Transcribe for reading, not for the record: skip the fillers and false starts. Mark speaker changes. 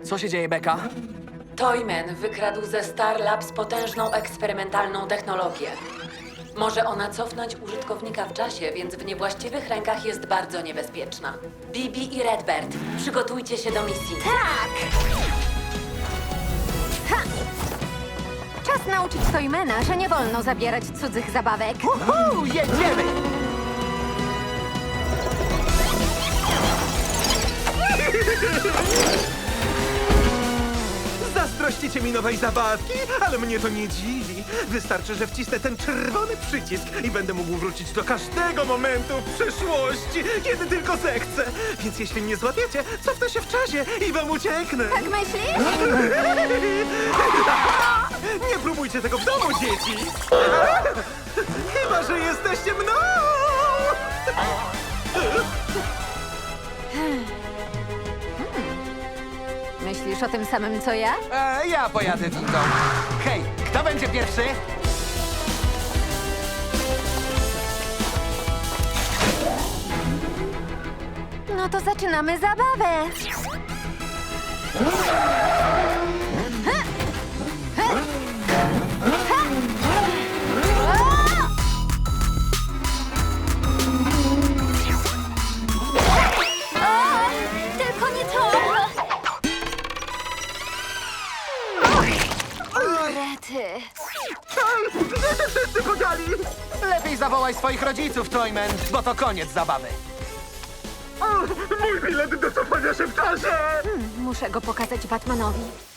Speaker 1: Co się dzieje, Becca?
Speaker 2: Toyman wykradł ze Star Labs potężną eksperymentalną technologię. Może ona cofnąć użytkownika w czasie, więc w niewłaściwych rękach jest bardzo niebezpieczna. Bibi i Redbird, przygotujcie się do misji.
Speaker 3: Tak! Ha! Czas nauczyć Toymana, że nie wolno zabierać cudzych zabawek.
Speaker 1: Jedziemy!
Speaker 4: Zazdrościcie mi nowej zabawki, ale mnie to nie dziwi. Wystarczy, że wcisnę ten czerwony przycisk i będę mógł wrócić do każdego momentu w przeszłości, kiedy tylko zechcę. Więc jeśli mnie złapiecie, cofnę się w czasie i wam ucieknę.
Speaker 3: Tak myślisz?
Speaker 4: Nie próbujcie tego w domu, dzieci! Chyba że jesteście mną!
Speaker 3: Myślisz o tym samym, co ja?
Speaker 1: Ja pojadę windą. Hej, kto będzie pierwszy?
Speaker 3: No to zaczynamy zabawę. Tylko nie to! O, rety.
Speaker 4: Gdzie się wszyscy podzieli?
Speaker 1: Lepiej zawołaj swoich rodziców, Toyman, bo to koniec zabawy.
Speaker 4: Mój bilet do cofania się w czasie!
Speaker 3: Muszę go pokazać Batmanowi.